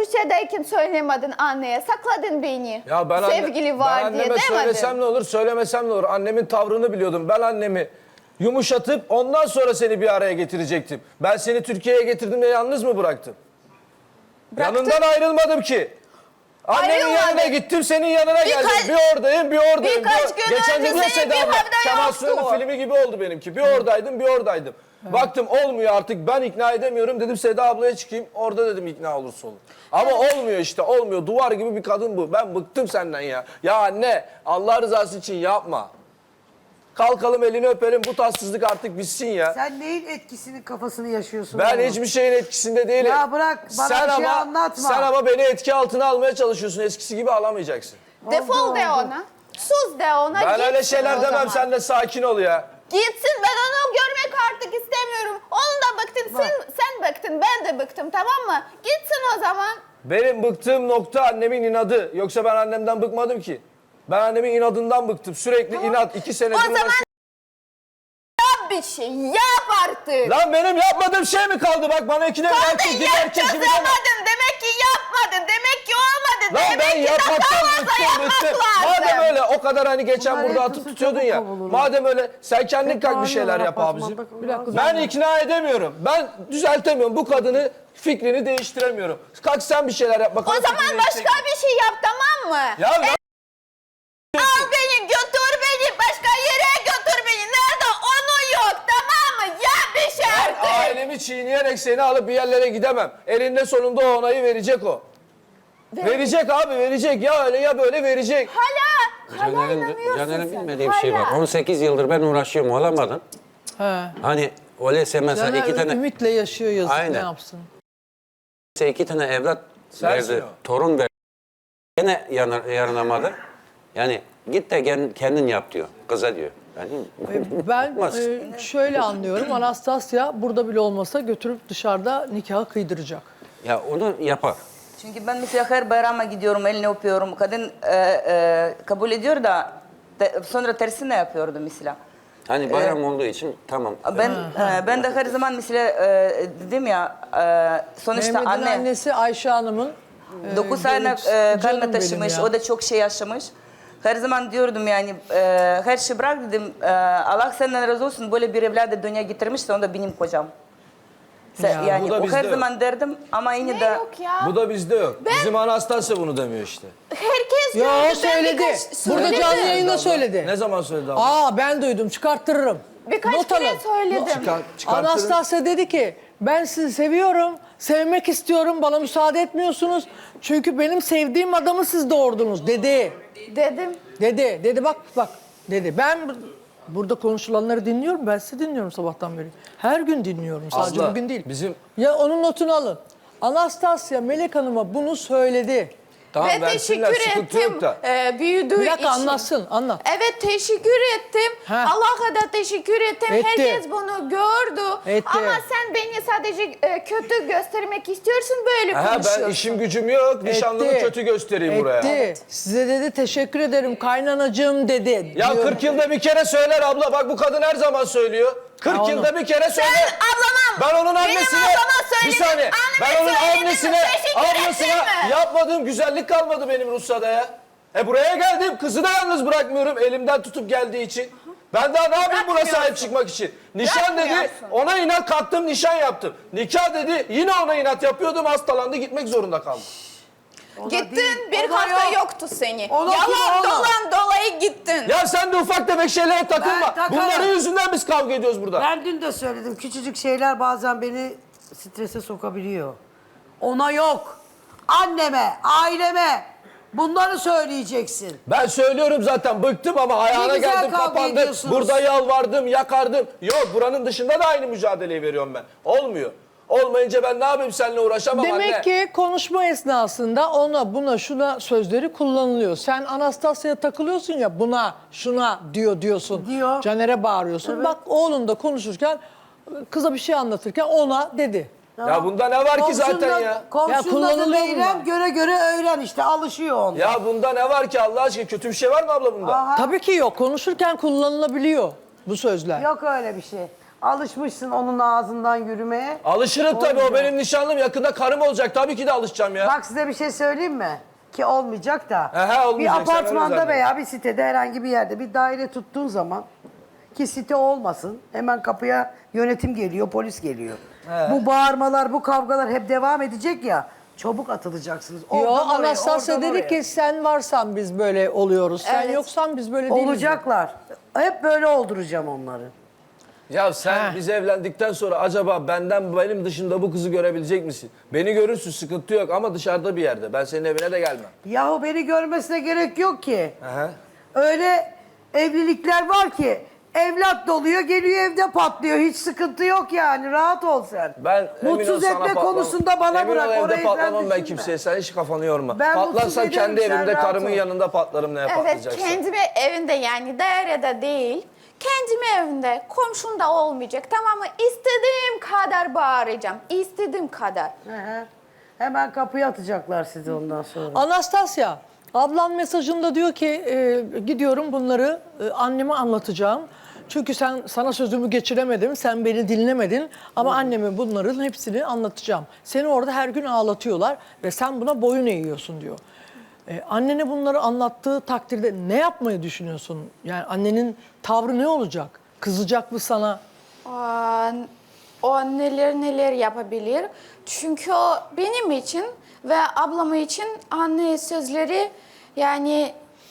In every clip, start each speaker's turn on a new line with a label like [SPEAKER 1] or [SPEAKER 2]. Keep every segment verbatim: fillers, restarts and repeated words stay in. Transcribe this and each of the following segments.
[SPEAKER 1] Rusya'dayken söylemedin anneye, sakladın beni.
[SPEAKER 2] Ya ben,
[SPEAKER 1] Sevgili
[SPEAKER 2] anne,
[SPEAKER 1] var
[SPEAKER 2] ben
[SPEAKER 1] diye
[SPEAKER 2] anneme
[SPEAKER 1] demedin.
[SPEAKER 2] söylesem ne olur, söylemesem ne olur? Annemin tavrını biliyordum. Ben annemi yumuşatıp ondan sonra seni bir araya getirecektim. Ben seni Türkiye'ye getirdim de yalnız mı bıraktım?
[SPEAKER 1] Bıraktın.
[SPEAKER 2] Yanından ayrılmadım ki. Annemin
[SPEAKER 1] Ayrılmadın.
[SPEAKER 2] yanına gittim, senin yanına
[SPEAKER 1] Birkaç-
[SPEAKER 2] geldim. Bir oradayım, bir oradayım.
[SPEAKER 1] birkaç
[SPEAKER 2] bir...
[SPEAKER 1] gün
[SPEAKER 2] Geçen
[SPEAKER 1] önce
[SPEAKER 2] de diyor
[SPEAKER 1] senin
[SPEAKER 2] Seda
[SPEAKER 1] bir
[SPEAKER 2] abla,
[SPEAKER 1] haberde
[SPEAKER 2] Kemal
[SPEAKER 1] yoktu.
[SPEAKER 2] Sunal'ın filmi gibi oldu benimki. Bir oradaydım, bir oradaydım. Baktım olmuyor artık, ben ikna edemiyorum. Dedim Seda ablaya çıkayım, orada dedim ikna olursa olur. Ama olmuyor işte, olmuyor. Duvar gibi bir kadın bu. Ben bıktım senden ya. Ya anne, Allah rızası için yapma. Kalkalım, elini öpelim, bu tatsızlık artık bitsin ya.
[SPEAKER 3] Sen neyin etkisinin kafasını yaşıyorsun?
[SPEAKER 2] Ben
[SPEAKER 3] oğlum?
[SPEAKER 2] hiçbir şeyin etkisinde değilim.
[SPEAKER 3] Ya bırak, bana
[SPEAKER 2] sen
[SPEAKER 3] bir şey
[SPEAKER 2] ama,
[SPEAKER 3] anlatma.
[SPEAKER 2] Sen ama beni etki altına almaya çalışıyorsun. Eskisi gibi alamayacaksın.
[SPEAKER 1] Defol
[SPEAKER 3] Oldu,
[SPEAKER 1] de
[SPEAKER 3] oldu.
[SPEAKER 1] ona. Sus de ona.
[SPEAKER 2] Ben öyle
[SPEAKER 1] gitsin
[SPEAKER 2] şeyler
[SPEAKER 1] o
[SPEAKER 2] demem,
[SPEAKER 1] zaman.
[SPEAKER 2] sen de sakin ol ya.
[SPEAKER 1] Gitsin, ben onu görmek artık istemiyorum. Onu da bıktın, sen, sen bıktın, ben de bıktım, tamam mı? Gitsin o zaman.
[SPEAKER 2] Benim bıktığım nokta annemin inadı. Yoksa ben annemden bıkmadım ki. Ben annemin inadından bıktım. Sürekli
[SPEAKER 1] Tamam.
[SPEAKER 2] inat. iki senedir
[SPEAKER 1] O zaman
[SPEAKER 2] uğraşıyorum.
[SPEAKER 1] yap bir şey, yap artık.
[SPEAKER 2] Lan benim yapmadığım şey mi kaldı? Bak bana ikide bir
[SPEAKER 1] Kadın
[SPEAKER 2] erkek gibi erkek
[SPEAKER 1] yapacağız
[SPEAKER 2] gibi deme.
[SPEAKER 1] demedim, demek ki yapmadın, demek ki olmadı.
[SPEAKER 2] Lan
[SPEAKER 1] demek
[SPEAKER 2] ben
[SPEAKER 1] ki
[SPEAKER 2] yapmaktan
[SPEAKER 1] daha fazla
[SPEAKER 2] bıktım
[SPEAKER 1] yapmak
[SPEAKER 2] bıktım.
[SPEAKER 1] lazım.
[SPEAKER 2] Madem öyle o kadar hani geçen
[SPEAKER 3] Bunlar
[SPEAKER 2] burada
[SPEAKER 3] yapılsa
[SPEAKER 2] atıp tutuyordun
[SPEAKER 3] çabuk
[SPEAKER 2] ya.
[SPEAKER 3] kovulurlar.
[SPEAKER 2] Madem öyle sen kendin kalk bir şeyler yap
[SPEAKER 3] Bağırıyorlar,
[SPEAKER 2] abicim.
[SPEAKER 3] apartmanda.
[SPEAKER 4] Bir dakika,
[SPEAKER 2] Ben ikna edemiyorum. Ben düzeltemiyorum. Bu kadını fikrini değiştiremiyorum. Kalk sen bir şeyler yap bakalım.
[SPEAKER 1] O zaman
[SPEAKER 2] fikrini
[SPEAKER 1] başka
[SPEAKER 2] değiştir.
[SPEAKER 1] bir şey yap, tamam mı?
[SPEAKER 2] Ya lan-
[SPEAKER 1] Al beni, götür beni, başka yere götür beni. Nerede onu yok, tamam mı? Yap bir şey
[SPEAKER 2] Ben
[SPEAKER 1] artık.
[SPEAKER 2] ailemi çiğneyerek seni alıp bir yerlere gidemem. Elinde sonunda o onayı verecek o. Verecek abi, verecek. Ya öyle ya böyle verecek.
[SPEAKER 1] Hala, hala
[SPEAKER 5] Caner'in,
[SPEAKER 1] inanıyorsun
[SPEAKER 5] Caner'in
[SPEAKER 1] sen.
[SPEAKER 5] bilmediği bir şey var.
[SPEAKER 1] Hala.
[SPEAKER 5] on sekiz yıldır ben uğraşıyorum, olamadım.
[SPEAKER 4] He.
[SPEAKER 5] Hani öyleyse mesela
[SPEAKER 4] Caner
[SPEAKER 5] iki tane,
[SPEAKER 4] ümitle yaşıyor, yazık,
[SPEAKER 5] Aynen.
[SPEAKER 4] ne yapsın?
[SPEAKER 5] iki tane evlat
[SPEAKER 2] Sensin
[SPEAKER 5] verdi,
[SPEAKER 2] o.
[SPEAKER 5] torun verdi. Gene yanar, yarınamadı. Yani git de gel- kendin yap diyor, kıza diyor. Yani,
[SPEAKER 4] Ben
[SPEAKER 5] olmaz.
[SPEAKER 4] e, şöyle anlıyorum, Anastasya burada bile olmasa götürüp dışarıda nikahı kıydıracak.
[SPEAKER 5] Ya onu yapar.
[SPEAKER 6] Çünkü ben mesela her bayrama gidiyorum, elini öpüyorum. Kadın e, e, kabul ediyor da te- sonra tersine yapıyordu mesela.
[SPEAKER 5] Hani bayram olduğu için tamam.
[SPEAKER 6] Ben e, ben de her zaman mesela e, dedim ya e, sonuçta
[SPEAKER 4] Mehmet'in
[SPEAKER 6] anne
[SPEAKER 4] annesi Ayşe Hanım'ın
[SPEAKER 6] dokuz
[SPEAKER 4] e,
[SPEAKER 6] ayına
[SPEAKER 4] canım
[SPEAKER 6] e,
[SPEAKER 4] benim
[SPEAKER 6] karnına taşımış.
[SPEAKER 4] ya.
[SPEAKER 6] O da çok şey yaşamış. Her zaman diyordum yani e, her şey bırak dedim. E, Allah senden razı olsun, böyle bir evladı dünyaya getirmişse o da benim kocam. Se-
[SPEAKER 4] Ya,
[SPEAKER 2] bu
[SPEAKER 6] yani
[SPEAKER 2] da
[SPEAKER 6] o
[SPEAKER 2] bizde
[SPEAKER 6] her
[SPEAKER 2] yok.
[SPEAKER 6] zaman derdim ama yine
[SPEAKER 1] Ne
[SPEAKER 6] de
[SPEAKER 1] yok ya?
[SPEAKER 2] Bu da bizde yok. Bizim Anastasya bunu demiyor işte.
[SPEAKER 1] Herkes
[SPEAKER 4] Yo,
[SPEAKER 1] gördü, ben
[SPEAKER 4] söyledi.
[SPEAKER 1] birkaç-
[SPEAKER 4] Burada
[SPEAKER 1] söyledi.
[SPEAKER 4] canlı yayında söyledi.
[SPEAKER 2] Ne zaman söyledi abla?
[SPEAKER 4] Aa ben duydum, çıkarttırırım.
[SPEAKER 1] Birkaç
[SPEAKER 4] Not
[SPEAKER 1] kere
[SPEAKER 4] alın.
[SPEAKER 1] söyledim.
[SPEAKER 2] Çıkar, çıkartırım.
[SPEAKER 4] Anastasya dedi ki ben sizi seviyorum, sevmek istiyorum, bana müsaade etmiyorsunuz. Çünkü benim sevdiğim adamı siz doğurdunuz dedi.
[SPEAKER 1] Dedim.
[SPEAKER 4] Dedi, dedi bak bak dedi. Ben bu- burada konuşulanları dinliyorum, ben sizi dinliyorum sabahtan beri. Her gün dinliyorum, sadece
[SPEAKER 2] Abla,
[SPEAKER 4] bugün değil.
[SPEAKER 2] bizim-
[SPEAKER 4] Ya onun notunu alın. Anastasya Melek Hanım'a bunu söyledi.
[SPEAKER 2] Tamam
[SPEAKER 1] Ve
[SPEAKER 2] versinler,
[SPEAKER 1] teşekkür
[SPEAKER 2] sıkıntı
[SPEAKER 1] ettim
[SPEAKER 2] yok da.
[SPEAKER 1] e, büyüdüğü
[SPEAKER 4] Bir dakika
[SPEAKER 1] için.
[SPEAKER 4] anlatsın, anlat.
[SPEAKER 1] Evet teşekkür ettim.
[SPEAKER 4] Ha.
[SPEAKER 1] Allah'a da teşekkür ettim.
[SPEAKER 4] Etti.
[SPEAKER 1] Herkes bunu gördü.
[SPEAKER 4] Etti.
[SPEAKER 1] Ama sen beni sadece e, kötü göstermek istiyorsun, böyle
[SPEAKER 2] Ha,
[SPEAKER 1] konuşuyorsun.
[SPEAKER 2] ben işim gücüm yok. Nişanlımı
[SPEAKER 4] Etti.
[SPEAKER 2] kötü göstereyim
[SPEAKER 4] Etti.
[SPEAKER 2] buraya.
[SPEAKER 4] Size dedi teşekkür ederim kaynanacığım dedi.
[SPEAKER 2] Ya
[SPEAKER 4] Diyor.
[SPEAKER 2] kırk yılda bir kere söyler abla. Bak bu kadın her zaman söylüyor. kırk
[SPEAKER 4] Ha, onu.
[SPEAKER 2] yılda bir kere söyler.
[SPEAKER 1] Sen ablama,
[SPEAKER 2] Ben onun
[SPEAKER 1] benim
[SPEAKER 2] annesine,
[SPEAKER 1] ablama
[SPEAKER 2] bir
[SPEAKER 1] söyledin,
[SPEAKER 2] saniye. Ben
[SPEAKER 1] anneme
[SPEAKER 2] onun
[SPEAKER 1] söyledin,
[SPEAKER 2] annesine,
[SPEAKER 1] teşekkür
[SPEAKER 2] ablasına
[SPEAKER 1] ettin mi?
[SPEAKER 2] yapmadığım güzellik kalmadı benim Rusya'da ya. E buraya geldim, kızı da yalnız bırakmıyorum elimden tutup geldiği için. Ben daha ne yapayım buna sahip çıkmak için? Nişan dedi,
[SPEAKER 1] Bırakmıyorsun.
[SPEAKER 2] ona inat kalktım, nişan yaptım. Nikah dedi, yine ona inat yapıyordum, hastalandı, gitmek zorunda kaldım.
[SPEAKER 3] O da
[SPEAKER 1] Gittin,
[SPEAKER 3] değil,
[SPEAKER 1] bir
[SPEAKER 3] o da
[SPEAKER 1] hafta
[SPEAKER 3] yok.
[SPEAKER 1] yoktu seni.
[SPEAKER 3] O da kim,
[SPEAKER 1] Yalan
[SPEAKER 3] o da?
[SPEAKER 1] dolan dolayı gittin.
[SPEAKER 2] Ya sen de ufak tefek şeylere takılma.
[SPEAKER 3] Ben takarım.
[SPEAKER 2] Bunların yüzünden biz kavga ediyoruz burada.
[SPEAKER 3] Ben dün de söyledim. Küçücük şeyler bazen beni strese sokabiliyor. Ona yok. Anneme, aileme bunları söyleyeceksin.
[SPEAKER 2] Ben söylüyorum zaten bıktım ama ayağına
[SPEAKER 3] güzel
[SPEAKER 2] geldim
[SPEAKER 3] kavga
[SPEAKER 2] kapandım.
[SPEAKER 3] ediyorsunuz.
[SPEAKER 2] Burada yalvardım yakardım. Yok buranın dışında da aynı mücadeleyi veriyorum ben. Olmuyor. Olmayınca ben ne yapayım seninle uğraşamam
[SPEAKER 4] Demek
[SPEAKER 2] anne.
[SPEAKER 4] ki konuşma esnasında ona buna şuna sözleri kullanılıyor. Sen Anastasya'ya takılıyorsun ya buna şuna diyor diyorsun.
[SPEAKER 3] Diyor.
[SPEAKER 4] Caner'e bağırıyorsun. Bak oğlun da konuşurken kıza bir şey anlatırken ona dedi.
[SPEAKER 2] Ya bunda ne var ki zaten ya?
[SPEAKER 3] Komşunun adı
[SPEAKER 4] kullanılıyor
[SPEAKER 3] Meyrem,
[SPEAKER 4] bunlar.
[SPEAKER 3] göre göre öğren işte, alışıyor onda.
[SPEAKER 2] Ya bunda ne var ki Allah aşkına? Kötü bir şey var mı abla bunda?
[SPEAKER 3] Aha,
[SPEAKER 4] Tabii ki yok. Konuşurken kullanılabiliyor bu sözler.
[SPEAKER 3] yok öyle bir şey. Alışmışsın onun ağzından yürümeye.
[SPEAKER 2] Alışırım tabii, o
[SPEAKER 3] Olmuyor.
[SPEAKER 2] benim nişanlım. Yakında karım olacak. Tabii ki de alışacağım ya.
[SPEAKER 3] Bak size bir şey söyleyeyim mi? Ki olmayacak da.
[SPEAKER 2] He he, olmayacak,
[SPEAKER 3] bir
[SPEAKER 2] sen öyle
[SPEAKER 3] apartmanda
[SPEAKER 2] zannet.
[SPEAKER 3] veya bir sitede herhangi bir yerde bir daire tuttuğun zaman ki site olmasın hemen kapıya yönetim geliyor, polis geliyor. Bu bağırmalar, bu kavgalar hep devam edecek ya. Çabuk atılacaksınız.
[SPEAKER 4] Yo,
[SPEAKER 3] Oradan oraya,
[SPEAKER 4] Anastasya
[SPEAKER 3] oradan
[SPEAKER 4] dedi
[SPEAKER 3] oraya.
[SPEAKER 4] ki sen varsan biz böyle oluyoruz. Sen
[SPEAKER 1] Evet.
[SPEAKER 4] yoksan biz böyle değiliz.
[SPEAKER 3] Olacaklar. Hep böyle olduracağım onları.
[SPEAKER 2] Ya sen
[SPEAKER 4] He.
[SPEAKER 2] biz evlendikten sonra acaba benden benim dışında bu kızı görebilecek misin? Beni görürsün, sıkıntı yok ama dışarıda bir yerde. Ben senin evine de gelmem.
[SPEAKER 3] Yahu beni görmesine gerek yok ki.
[SPEAKER 2] Aha.
[SPEAKER 3] Öyle evlilikler var ki evlat doluyor geliyor evde patlıyor. Hiç sıkıntı yok yani. Rahat ol sen.
[SPEAKER 2] Ben emin ol
[SPEAKER 3] mutsuz
[SPEAKER 2] sana
[SPEAKER 3] etme
[SPEAKER 2] patlamam.
[SPEAKER 3] konusunda bana
[SPEAKER 2] Emin ol
[SPEAKER 3] bırak.
[SPEAKER 2] evde
[SPEAKER 3] Orayı
[SPEAKER 2] patlamam
[SPEAKER 3] sen
[SPEAKER 2] ben
[SPEAKER 3] düşünme.
[SPEAKER 2] kimseye. Sen hiç kafanı yorma.
[SPEAKER 3] Ben mutsuz
[SPEAKER 2] Patlarsam
[SPEAKER 3] ediyorum,
[SPEAKER 2] kendi
[SPEAKER 3] sen
[SPEAKER 2] evimde
[SPEAKER 3] rahat
[SPEAKER 2] karımın
[SPEAKER 3] ol.
[SPEAKER 2] yanında patlarım neye
[SPEAKER 1] Evet,
[SPEAKER 2] patlayacaksın.
[SPEAKER 1] kendime evinde yani dairede değil. Kendim evimde, komşumda olmayacak. Tamam mı? İstediğim kadar bağıracağım. İstediğim kadar.
[SPEAKER 3] Hı hı. Hemen kapıya atacaklar sizi ondan sonra.
[SPEAKER 4] Anastasya, ablam mesajında diyor ki e, gidiyorum bunları e, anneme anlatacağım. Çünkü sen sana sözümü geçiremedim, sen beni dinlemedin ama anneme bunların hepsini anlatacağım. Seni orada her gün ağlatıyorlar ve sen buna boyun eğiyorsun diyor. E, annene bunları anlattığı takdirde ne yapmayı düşünüyorsun? Yani annenin tavrı ne olacak? Kızacak mı sana?
[SPEAKER 1] Aa, o neler neler yapabilir. Çünkü o benim için ve ablam için anne sözleri yani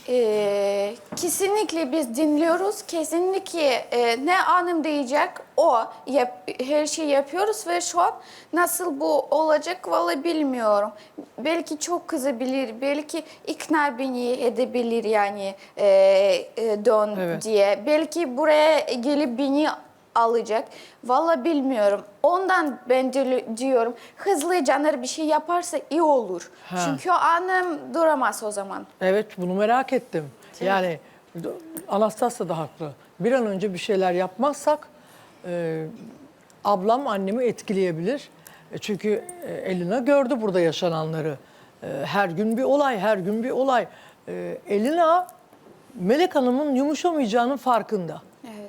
[SPEAKER 1] e, kesinlikle biz dinliyoruz. Kesinlikle e, ne annem diyecek o yap, her şeyi yapıyoruz ve şu an nasıl bu olacak vallahi bilmiyorum. Belki çok kızabilir, belki ikna beni edebilir yani e, e, dön
[SPEAKER 4] Evet.
[SPEAKER 1] diye. Belki buraya gelip beni alacak. Vallahi bilmiyorum. Ondan ben de diyorum hızlı Caner bir şey yaparsa iyi olur.
[SPEAKER 4] Ha.
[SPEAKER 1] Çünkü annem duramaz o zaman.
[SPEAKER 4] Evet, bunu merak ettim. Yani Anastasya da haklı. Bir an önce bir şeyler yapmazsak e, ablam annemi etkileyebilir. E, çünkü e, Elina gördü burada yaşananları. E, her gün bir olay, her gün bir olay. E, Elina, Melek Hanım'ın yumuşamayacağının farkında.
[SPEAKER 1] Evet.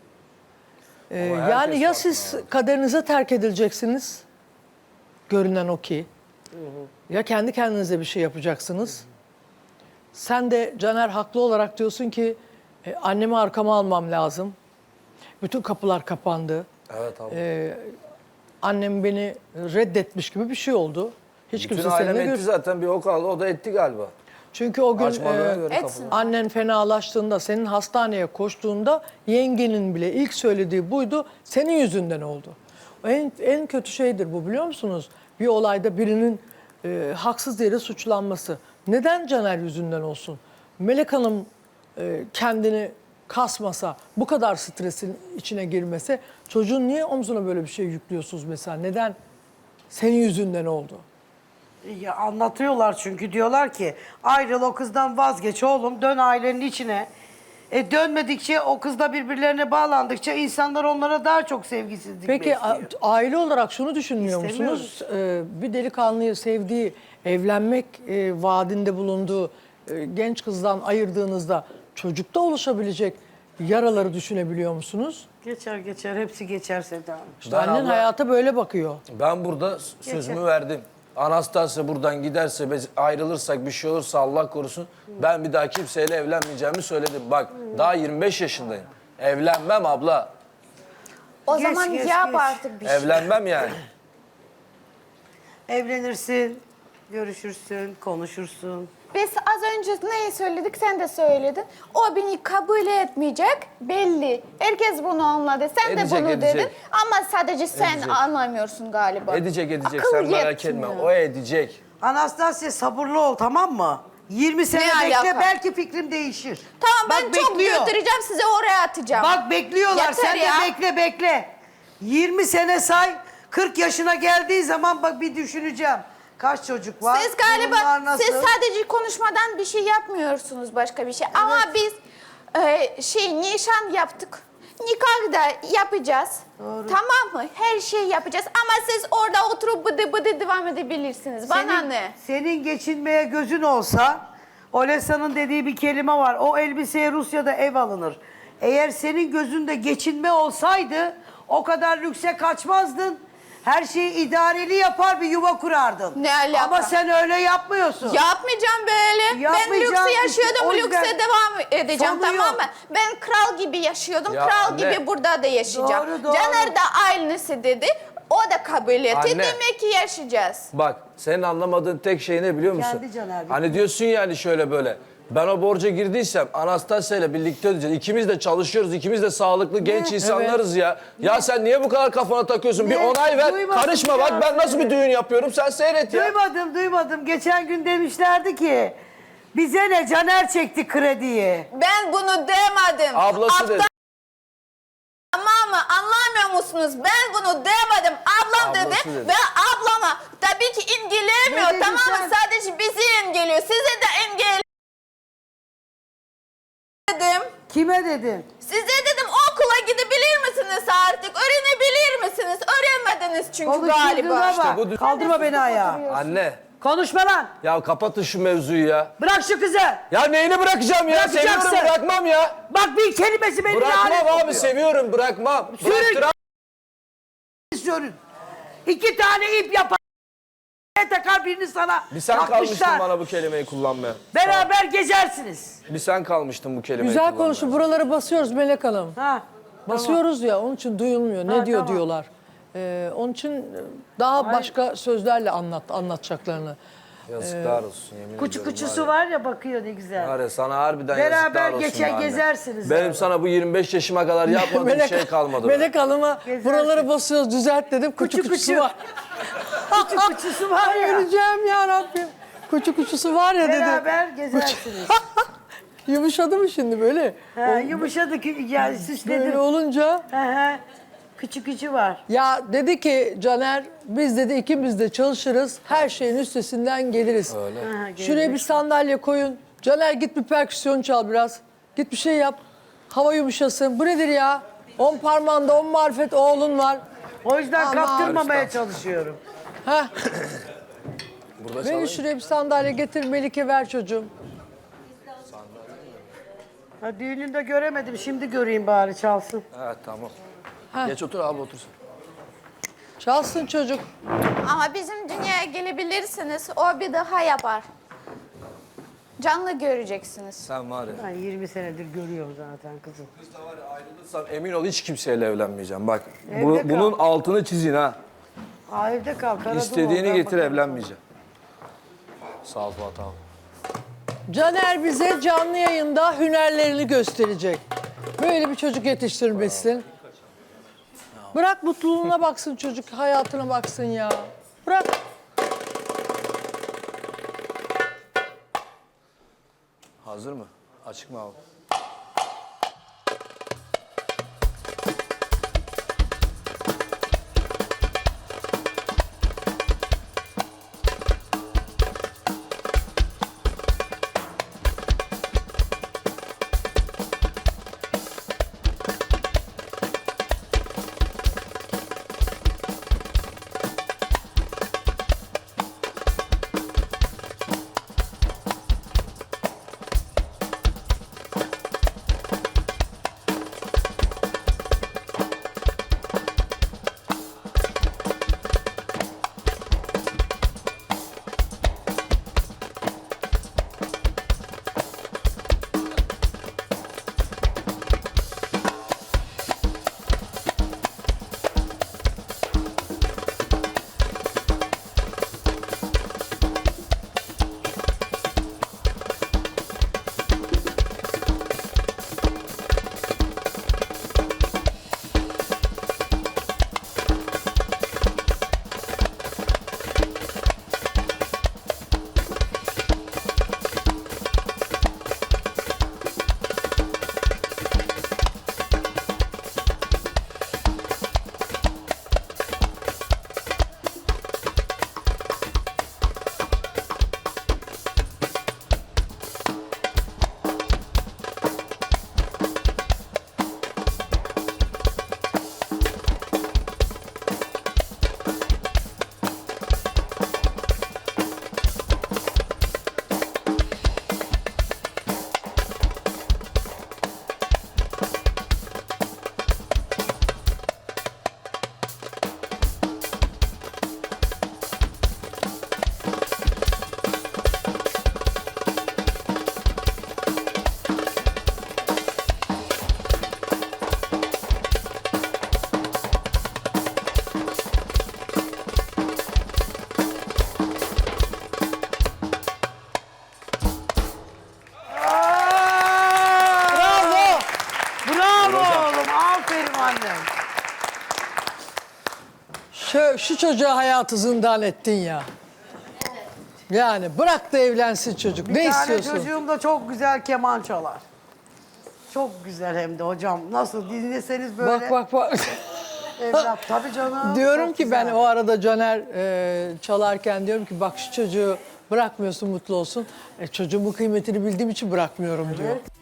[SPEAKER 4] E,
[SPEAKER 2] Ama herkes
[SPEAKER 4] yani ya
[SPEAKER 2] farkında
[SPEAKER 4] siz kaderinize terk edileceksiniz, görünen o ki. Ya kendi kendinize bir şey yapacaksınız. Sen de Caner haklı olarak diyorsun ki e, annemi arkama almam lazım. Bütün kapılar kapandı.
[SPEAKER 2] Evet abi.
[SPEAKER 4] E, annem beni reddetmiş gibi bir şey oldu. Hiç
[SPEAKER 2] Bütün
[SPEAKER 4] kimse
[SPEAKER 2] ailem
[SPEAKER 4] seninle
[SPEAKER 2] etti
[SPEAKER 4] gör.
[SPEAKER 2] zaten, bir o kaldı, o da etti galiba.
[SPEAKER 4] Çünkü o gün
[SPEAKER 2] Açmadığına
[SPEAKER 4] e,
[SPEAKER 2] göre
[SPEAKER 1] etsin.
[SPEAKER 2] kapıyı.
[SPEAKER 4] annen fenalaştığında, senin hastaneye koştuğunda yengenin bile ilk söylediği buydu. Senin yüzünden oldu. En, en kötü şeydir bu, biliyor musunuz? Bir olayda birinin e, haksız yere suçlanması. Neden Caner yüzünden olsun? Melek Hanım e, kendini kasmasa, bu kadar stresin içine girmese, çocuğun niye omzuna böyle bir şey yüklüyorsunuz mesela? Neden? Senin yüzünden oldu.
[SPEAKER 3] Ya anlatıyorlar çünkü diyorlar ki ayrıl o kızdan vazgeç oğlum dön ailenin içine. E dönmedikçe o kızla birbirlerine bağlandıkça insanlar onlara daha çok sevgisizlik
[SPEAKER 4] Peki a-
[SPEAKER 3] besliyor.
[SPEAKER 4] aile olarak şunu düşünmüyor
[SPEAKER 3] İstemiyoruz.
[SPEAKER 4] musunuz? Ee, bir delikanlıyı sevdiği, evlenmek e, vaadinde bulunduğu e, genç kızdan ayırdığınızda çocukta oluşabilecek yaraları düşünebiliyor musunuz?
[SPEAKER 3] Geçer geçer hepsi geçer Seda Hanım.
[SPEAKER 4] İşte
[SPEAKER 2] Ben
[SPEAKER 4] annen
[SPEAKER 2] abla-
[SPEAKER 4] hayata böyle bakıyor.
[SPEAKER 2] Ben burada sözümü verdim. Anastasya buradan giderse, biz ayrılırsak, bir şey olursa Allah korusun, ben bir daha kimseyle evlenmeyeceğimi söyledim. Bak daha yirmi beş yaşındayım. Evlenmem abla.
[SPEAKER 1] O
[SPEAKER 3] Geç,
[SPEAKER 1] zaman
[SPEAKER 3] geç,
[SPEAKER 1] yap
[SPEAKER 3] geç.
[SPEAKER 1] artık bir şey.
[SPEAKER 2] Evlenmem yani.
[SPEAKER 3] Evlenirsin, görüşürsün, konuşursun.
[SPEAKER 1] Biz az önce neyi söyledik sen de söyledin. O beni kabul etmeyecek belli. Herkes bunu anladı. Sen
[SPEAKER 2] Edecek,
[SPEAKER 1] de bunu
[SPEAKER 2] edecek.
[SPEAKER 1] dedin. Ama sadece sen
[SPEAKER 2] Edecek.
[SPEAKER 1] anlamıyorsun galiba.
[SPEAKER 2] Edecek edecek,
[SPEAKER 1] Akıl
[SPEAKER 2] sen merak
[SPEAKER 1] yetmiyor.
[SPEAKER 2] etme. O edecek.
[SPEAKER 3] Anastasya sabırlı ol tamam mı? yirmi sene
[SPEAKER 1] Ne
[SPEAKER 3] bekle
[SPEAKER 1] alaka?
[SPEAKER 3] belki fikrim değişir.
[SPEAKER 1] Tamam ben
[SPEAKER 3] Bak,
[SPEAKER 1] çok
[SPEAKER 3] bekliyor.
[SPEAKER 1] götüreceğim sizi oraya atacağım.
[SPEAKER 3] Bak bekliyorlar
[SPEAKER 1] Yeter
[SPEAKER 3] sen
[SPEAKER 1] ya.
[SPEAKER 3] de bekle bekle. yirmi sene say kırk yaşına geldiği zaman bak bir düşüneceğim. Kaç çocuk var?
[SPEAKER 1] Siz galiba
[SPEAKER 3] Durumlar nasıl?
[SPEAKER 1] siz sadece konuşmadan bir şey yapmıyorsunuz başka bir şey. Ama biz e, şey nişan yaptık. Nikah da yapacağız. Tamam mı? Her şeyi yapacağız. Ama siz orada oturup bıdı bıdı devam edebilirsiniz. Bana
[SPEAKER 3] senin,
[SPEAKER 1] ne?
[SPEAKER 3] Senin geçinmeye gözün olsa, Olesa'nın dediği bir kelime var. O elbiseye Rusya'da ev alınır. Eğer senin gözünde geçinme olsaydı o kadar lükse kaçmazdın. Her şeyi idareli yapar bir yuva kurardın.
[SPEAKER 1] Ne alaka?
[SPEAKER 3] Ama sen öyle yapmıyorsun.
[SPEAKER 1] Yapmayacağım böyle. Ben
[SPEAKER 3] Yapmayacağım
[SPEAKER 1] lüks
[SPEAKER 3] işte,
[SPEAKER 1] yaşıyordum,
[SPEAKER 3] o yüzden
[SPEAKER 1] lükse devam edeceğim,
[SPEAKER 3] sonu
[SPEAKER 1] tamam
[SPEAKER 3] yok.
[SPEAKER 1] mı? Ben kral gibi yaşıyordum,
[SPEAKER 2] Ya
[SPEAKER 1] kral
[SPEAKER 2] anne.
[SPEAKER 1] gibi burada da yaşayacağım.
[SPEAKER 3] Doğru, doğru.
[SPEAKER 1] Caner de aynısı dedi, o da kabul etti.
[SPEAKER 2] Anne.
[SPEAKER 1] Demek ki yaşayacağız.
[SPEAKER 2] Bak senin anlamadığın tek şey ne biliyor musun?
[SPEAKER 3] Kendi Caner.
[SPEAKER 2] Hani diyorsun yani şöyle böyle. Ben o borca girdiysem Anastasya ile birlikte ödeyeceğiz. İkimiz de çalışıyoruz. İkimiz de sağlıklı genç insanlarız ya. Ya sen niye bu kadar kafana takıyorsun? Bir
[SPEAKER 3] Ne?
[SPEAKER 2] onay ver.
[SPEAKER 3] Duymadım
[SPEAKER 2] Karışma
[SPEAKER 3] ya
[SPEAKER 2] bak ben nasıl
[SPEAKER 3] seni.
[SPEAKER 2] bir düğün yapıyorum sen seyret ya.
[SPEAKER 3] Duymadım, duymadım. Geçen gün demişlerdi ki bize ne Caner çekti krediyi.
[SPEAKER 1] Ben bunu demedim.
[SPEAKER 2] Ablası dedi.
[SPEAKER 1] Tamam mı? Anlamıyor musunuz? Ben bunu demedim. Ablam
[SPEAKER 2] Ablası
[SPEAKER 1] dedi,
[SPEAKER 2] dedi.
[SPEAKER 1] ve ablama tabii ki
[SPEAKER 3] Ne
[SPEAKER 1] engelemiyor,
[SPEAKER 3] dedin
[SPEAKER 1] tamam mı?
[SPEAKER 3] sen?
[SPEAKER 1] Sadece bizi engelliyor. Size de engel dedim.
[SPEAKER 3] Kime dedin?
[SPEAKER 1] Size dedim okula gidebilir misiniz artık? Öğrenebilir misiniz? Öğrenmediniz çünkü
[SPEAKER 3] Konuşturduğuna
[SPEAKER 1] galiba.
[SPEAKER 3] bak.
[SPEAKER 2] bu-
[SPEAKER 3] Kaldırma beni ayağa.
[SPEAKER 2] Anne
[SPEAKER 3] Konuşma lan.
[SPEAKER 2] ya kapatın şu mevzuyu ya.
[SPEAKER 3] Bırak şu kızı.
[SPEAKER 2] Ya neyini bırakacağım ya?
[SPEAKER 3] Bırakacaksın.
[SPEAKER 2] Seviyorum bırakmam ya.
[SPEAKER 3] Bak bir kelimesi beni lanet
[SPEAKER 2] Bırakmam abi
[SPEAKER 3] okuyor.
[SPEAKER 2] seviyorum bırakmam.
[SPEAKER 3] Sürün.
[SPEAKER 2] Bıraktıram.
[SPEAKER 3] Sürün. İki tane ip yapar. Takar birini sana.
[SPEAKER 2] Bir sen
[SPEAKER 3] takmışlar.
[SPEAKER 2] kalmıştın bana bu kelimeyi kullanmaya.
[SPEAKER 3] Beraber gezersiniz.
[SPEAKER 2] Bir sen kalmıştın bu kelimeyi
[SPEAKER 4] Güzel
[SPEAKER 2] kullanmaya.
[SPEAKER 4] konuşun. Buraları basıyoruz Melek Hanım.
[SPEAKER 3] Ha.
[SPEAKER 4] Basıyoruz ya, onun için duyulmuyor. Ne
[SPEAKER 3] Ha,
[SPEAKER 4] diyor
[SPEAKER 3] tamam.
[SPEAKER 4] diyorlar. Ee, onun için daha başka sözlerle anlat anlatacaklarını.
[SPEAKER 2] Yazıklar olsun yemin
[SPEAKER 3] Kuçu
[SPEAKER 2] ediyorum
[SPEAKER 3] kuçusu
[SPEAKER 2] var
[SPEAKER 3] var ya bakıyor ne güzel.
[SPEAKER 2] ya. Var ya sana harbiden
[SPEAKER 3] Beraber
[SPEAKER 2] yazıklar olsun
[SPEAKER 3] geçer
[SPEAKER 2] be anne.
[SPEAKER 3] gezersiniz
[SPEAKER 2] Benim
[SPEAKER 3] abi.
[SPEAKER 2] sana bu yirmi beş yaşıma kadar yapmadığım şey kalmadı. be.
[SPEAKER 4] Melek Hanım'a
[SPEAKER 3] Gezersin.
[SPEAKER 4] buraları basıyoruz düzelt dedim. Kuçu
[SPEAKER 3] Kuçu
[SPEAKER 4] kuçusu
[SPEAKER 3] kuçu.
[SPEAKER 4] var.
[SPEAKER 3] Kuçu kuçusu var ya.
[SPEAKER 4] Öleceğim ya Rabbim. Kuçu kuçusu var ya dedim.
[SPEAKER 3] Beraber gezersiniz.
[SPEAKER 4] Yumuşadı mı şimdi böyle?
[SPEAKER 3] ha, yumuşadı ki yani
[SPEAKER 4] Böyle
[SPEAKER 3] süsledim.
[SPEAKER 4] olunca
[SPEAKER 3] Ha, ha. Küçük küçük var.
[SPEAKER 4] ya dedi ki Caner biz dedi ikimiz de çalışırız. Her şeyin üstesinden geliriz.
[SPEAKER 2] Öyle.
[SPEAKER 3] Ha, gelecek.
[SPEAKER 4] Şuraya bir sandalye koyun. Caner git bir perküsyon çal biraz. Git bir şey yap. Hava yumuşasın. Bu nedir ya? On parmağında on marifet oğlun var.
[SPEAKER 3] O yüzden
[SPEAKER 4] Aman.
[SPEAKER 3] kaptırmamaya çalışıyorum.
[SPEAKER 4] Heh.
[SPEAKER 2] Burada
[SPEAKER 4] Beni
[SPEAKER 2] çalayım.
[SPEAKER 4] şuraya bir sandalye getir Melike ver çocuğum.
[SPEAKER 3] Ha, düğününde göremedim. Şimdi göreyim bari çalsın.
[SPEAKER 2] Evet tamam.
[SPEAKER 4] Ha.
[SPEAKER 2] Geç otur abi otursun.
[SPEAKER 4] Çalsın çocuk.
[SPEAKER 1] Ama bizim dünyaya gelebilirsiniz, o bir daha yapar. Canlı göreceksiniz.
[SPEAKER 2] Sen var ya.
[SPEAKER 3] Ben yirmi senedir görüyorum zaten kızım.
[SPEAKER 2] Biz de var ya ayrılırsam emin ol hiç kimseyle evlenmeyeceğim. Bak
[SPEAKER 3] Evde
[SPEAKER 2] bu-
[SPEAKER 3] kal.
[SPEAKER 2] bunun altını çizin ha.
[SPEAKER 3] Aa, evde kal. Karadın
[SPEAKER 2] İstediğini
[SPEAKER 3] oradan
[SPEAKER 2] getir
[SPEAKER 3] bakarım.
[SPEAKER 2] evlenmeyeceğim. Sağ ol Fuat abi.
[SPEAKER 4] Caner bize canlı yayında hünerlerini gösterecek. Böyle bir çocuk yetiştirmişsin. Bırak mutluluğuna baksın çocuk, hayatına baksın ya. Bırak.
[SPEAKER 2] Hazır mı? Açık mı abi?
[SPEAKER 4] şu çocuğa hayatı zindan ettin ya. Yani bırak da evlensin çocuk.
[SPEAKER 3] Bir
[SPEAKER 4] ne
[SPEAKER 3] tane
[SPEAKER 4] istiyorsun?
[SPEAKER 3] çocuğum da çok güzel keman çalar. Çok güzel hem de hocam. Nasıl dinleseniz böyle.
[SPEAKER 4] Bak bak bak.
[SPEAKER 3] Evlat tabii canım.
[SPEAKER 4] Diyorum
[SPEAKER 3] çok
[SPEAKER 4] ki ben
[SPEAKER 3] güzel.
[SPEAKER 4] o arada Caner e, çalarken diyorum ki bak şu çocuğu bırakmıyorsun mutlu olsun. E, çocuğumun kıymetini bildiğim için bırakmıyorum diyor.